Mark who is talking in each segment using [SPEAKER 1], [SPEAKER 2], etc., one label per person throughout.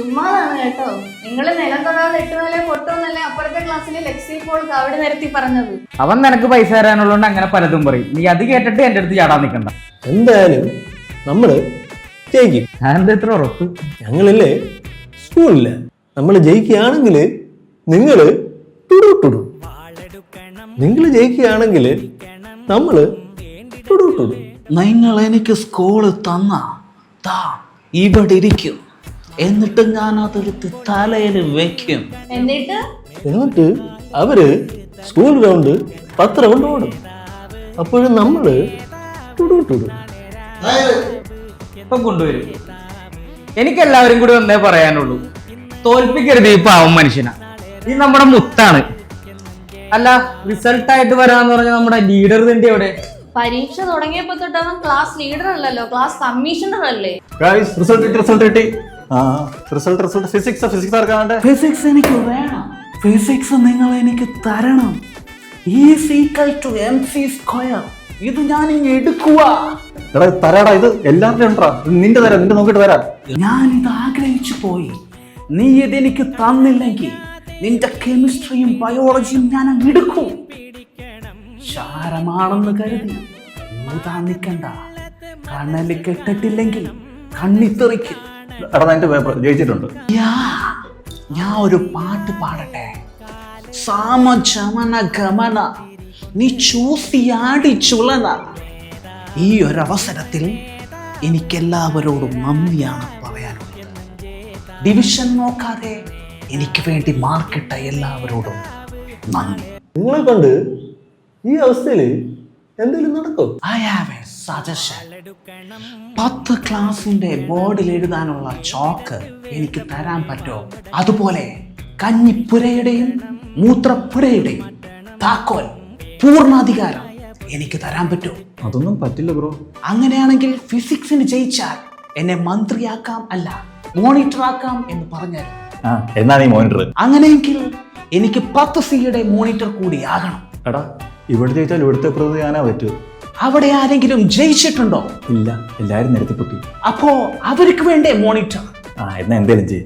[SPEAKER 1] ചുമ്മാതാണ് കേട്ടോ. നിങ്ങൾ നിലം തൊടാതെ 8 നില പൊട്ടുമെന്നല്ലേ അപ്പുറത്തെ ക്ലാസ്സിലെ ലെക്സി പോൾ അവിടെ നിരത്തി പറഞ്ഞത്.
[SPEAKER 2] അവൻ നിനക്ക് പൈസ തരാനുള്ളതുകൊണ്ട് അങ്ങനെ പലതും പറയും. നീ അത് കേട്ടിട്ട് എന്റെ അടുത്ത് ചാടാൻ നിൽക്കണ്ട.
[SPEAKER 3] എന്തായാലും നമ്മള് ജയിക്കും.
[SPEAKER 2] ഞാനെന്താ ഇത്ര ഉറപ്പ്?
[SPEAKER 3] ഞങ്ങളില്ലേ സ്കൂളില്ല, നമ്മൾ ജയിക്കുകയാണെങ്കിൽ നിങ്ങള് ടുടു, നിങ്ങൾ ജയിക്കുകയാണെങ്കിൽ നമ്മള് ടുടു.
[SPEAKER 4] നിങ്ങൾ എനിക്ക് സ്കൂള് തന്ന ഇവിടെ ഇരിക്കും, എന്നിട്ട് ഞാൻ അതെടുത്ത് തലയിൽ വെക്കും.
[SPEAKER 1] എന്നിട്ട്
[SPEAKER 3] അവര് സ്കൂൾ ഗ്രൗണ്ട് 10 റൗണ്ട് ഓടും. അപ്പോഴും നമ്മള് ടുടു.
[SPEAKER 2] ഇപ്പൊ കൊണ്ടുവരും. എനിക്കെല്ലാവരും കൂടി ഒന്നേ പറയാനുള്ളൂ, തോൽപ്പിക്കരുത് ഈ പാവം മനുഷ്യനാ. ഈ നമ്മുടെ മുത്താണ്. അല്ല, റിസൾട്ടായിട്ട് വരാന്ന് പറഞ്ഞ നമ്മുടെ ലീഡർ തന്നെ എവിടെ?
[SPEAKER 1] പരീക്ഷ തുടങ്ങിയപ്പോ തൊട്ട് അവൻ ക്ലാസ് ലീഡർ അല്ലല്ലോ, ക്ലാസ് കമ്മീഷണർ അല്ലേ?
[SPEAKER 4] ഫിസിക്സ് എനിക്ക് വേണം. ഫിസിക്സ് നിങ്ങൾ എനിക്ക് തരണം. E=mc². ഇത് ഞാൻ എടുക്കുക.
[SPEAKER 3] തരാടാ, ഇത് എല്ലാവരുടെയും ഉണ്ടാ. നിന്റെ തരാം, നിന്റെ നോക്കിട്ട് തരാം.
[SPEAKER 4] ഞാൻ ഇത് ആഗ്രഹിച്ചു പോയി. നീ ഇതെനിക്ക് തന്നില്ലെങ്കിൽ നിന്റെ കെമിസ്ട്രിയും ബയോളജിയും ഞാൻ അങ്ങ് എടുക്കും. ക്ഷാരമാണെന്ന് കരുതി ഊതാൻ നിൽക്കണ്ട. കണ്ണല് കെട്ടിട്ടില്ലെങ്കിൽ കണ്ണിത്തെറിക്കും.
[SPEAKER 3] ജയിച്ചിട്ടുണ്ട്.
[SPEAKER 4] ഞാൻ ഒരു പാട്ട് പാടട്ടെ. സാമചമന ഗമന നീ ചൂസിയാടി ചുളന. ഈ ഒരവസരത്തിൽ എനിക്കെല്ലാവരോടും നന്ദിയാണ് പറയാനുള്ളത്. ഡിവിഷൻ നോക്കാതെ എനിക്ക് വേണ്ടി മാർക്കിട്ട എല്ലാവരോടും നന്ദി.
[SPEAKER 3] നിങ്ങളെ കൊണ്ട് ഈ അവസ്ഥയിൽ എന്തെങ്കിലും നടക്കും?
[SPEAKER 4] I have a suggestion. 10 ക്ലാസിന്റെ ബോർഡിൽ എഴുതാനുള്ള ചോക്ക് എനിക്ക് തരാൻ പറ്റുമോ? അതുപോലെ കഞ്ഞിപ്പുരയുടെയും മൂത്രപ്പുരയുടെയും താക്കോൽ പൂർണ്ണാധികാരം എനിക്ക് തരാൻ പറ്റുമോ?
[SPEAKER 3] അതൊന്നും പറ്റില്ല ബ്രോ.
[SPEAKER 4] അങ്ങനെയാണെങ്കിൽ ഫിസിക്സിന് ജയിച്ചാൽ എന്നെ മന്ത്രിയാക്കാം, അല്ല മോണിറ്റർ ആക്കാം എന്ന് പറഞ്ഞാൽ.
[SPEAKER 3] എന്നാ നീ മോണിറ്റർ.
[SPEAKER 4] അങ്ങനെയെങ്കിൽ എനിക്ക് 10 സിയുടെ മോണിറ്റർ കൂടി ആകണം.
[SPEAKER 3] എടാ, ഇവിടെ ജയിച്ചാൽ ഇവിടുത്തെ പ്രതി ഞാനാ പറ്റൂ.
[SPEAKER 4] അവിടെ ആരെങ്കിലും ജയിച്ചിട്ടുണ്ടോ?
[SPEAKER 3] ഇല്ല, എല്ലാരും നിരത്തി പൊട്ടി.
[SPEAKER 4] അപ്പോ അവർക്ക് വേണ്ടേ മോണിറ്റർ?
[SPEAKER 3] എന്നാ എന്തേലും ചെയ്യും.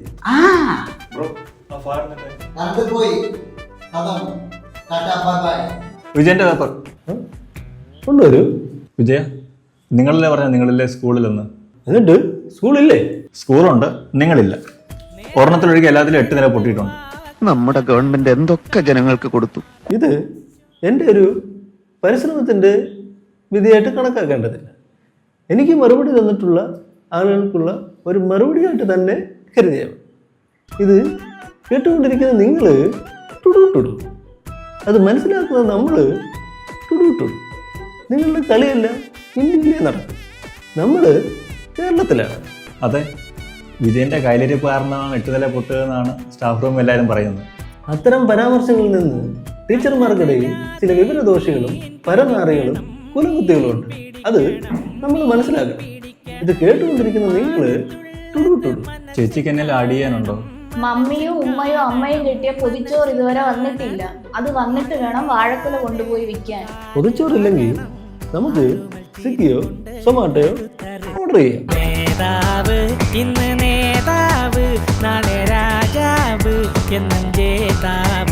[SPEAKER 3] വിജയന്റെ പേപ്പർ കൊണ്ടുവരൂ. വിജയ, നിങ്ങളല്ലേ പറഞ്ഞ നിങ്ങളില്ലേ സ്കൂളിലെന്ന്? എന്നിട്ട് സ്കൂളില്ലേ? സ്കൂളുണ്ട്, നിങ്ങളില്ല. ഒരെണ്ണത്തിലൊഴികെ എല്ലാത്തിലും 8 നില പൊട്ടിയിട്ടുണ്ട്.
[SPEAKER 5] നമ്മുടെ ഗവൺമെന്റ് എന്തൊക്കെ ജനങ്ങൾക്ക് കൊടുത്തു.
[SPEAKER 3] ഇത് എൻ്റെ ഒരു പരിശ്രമത്തിൻ്റെ വിധിയായിട്ട് കണക്കാക്കേണ്ടതില്ല. എനിക്ക് മറുപടി തന്നിട്ടുള്ള ആളുകൾക്കുള്ള ഒരു മറുപടിയായിട്ട് തന്നെ കരുതിയാൽ ഇത് കേട്ടുകൊണ്ടിരിക്കുന്ന നിങ്ങൾ ടുടു. അത് മനസ്സിലാക്കുന്ന നമ്മൾ ടുടു. നിങ്ങളുടെ കളിയല്ല ഇന്ത്യയിലേ നടക്കും. നമ്മൾ കേരളത്തിലാണ്. അതെ, വിജയൻ്റെ കയ്യിലിരിപ്പ് കാരണമാണ് 8 നില പൊട്ടുക എന്നാണ് സ്റ്റാഫ് റൂം എല്ലാവരും പറയുന്നത്. അത്തരം പരാമർശങ്ങളിൽ നിന്ന് ടീച്ചർമാർക്കിടയിൽ ചില വിവരദോഷികളും പരനാറികളും കുലകുത്തികളും ഉണ്ട്. അത് നമ്മൾ മനസ്സിലാക്കണം. ഇത് കേട്ടുകൊണ്ടിരിക്കുന്ന നിങ്ങൾ ടുടു. ചേച്ചിക്ക് എന്നെ ആഡ് ചെയ്യാനുണ്ടോ?
[SPEAKER 1] മമ്മിയും ഉമ്മയും അമ്മയും കിട്ടിയ പൊതിച്ചോറ് ഇതുവരെ വന്നിട്ടില്ല. അത് വന്നിട്ട് വേണം വാഴക്കുല കൊണ്ടുപോയി വിൽക്കാൻ.
[SPEAKER 3] പൊതിച്ചോറില്ലെങ്കിൽ നമുക്ക് സ്വിഗ്ഗിയോ സൊമാറ്റോയോ ഓർഡർ ചെയ്യാം.
[SPEAKER 6] നേതാവ് ഇന്ന് നേതാവ്, നാളെ രാജാവ് എന്നും ജേതാവ്.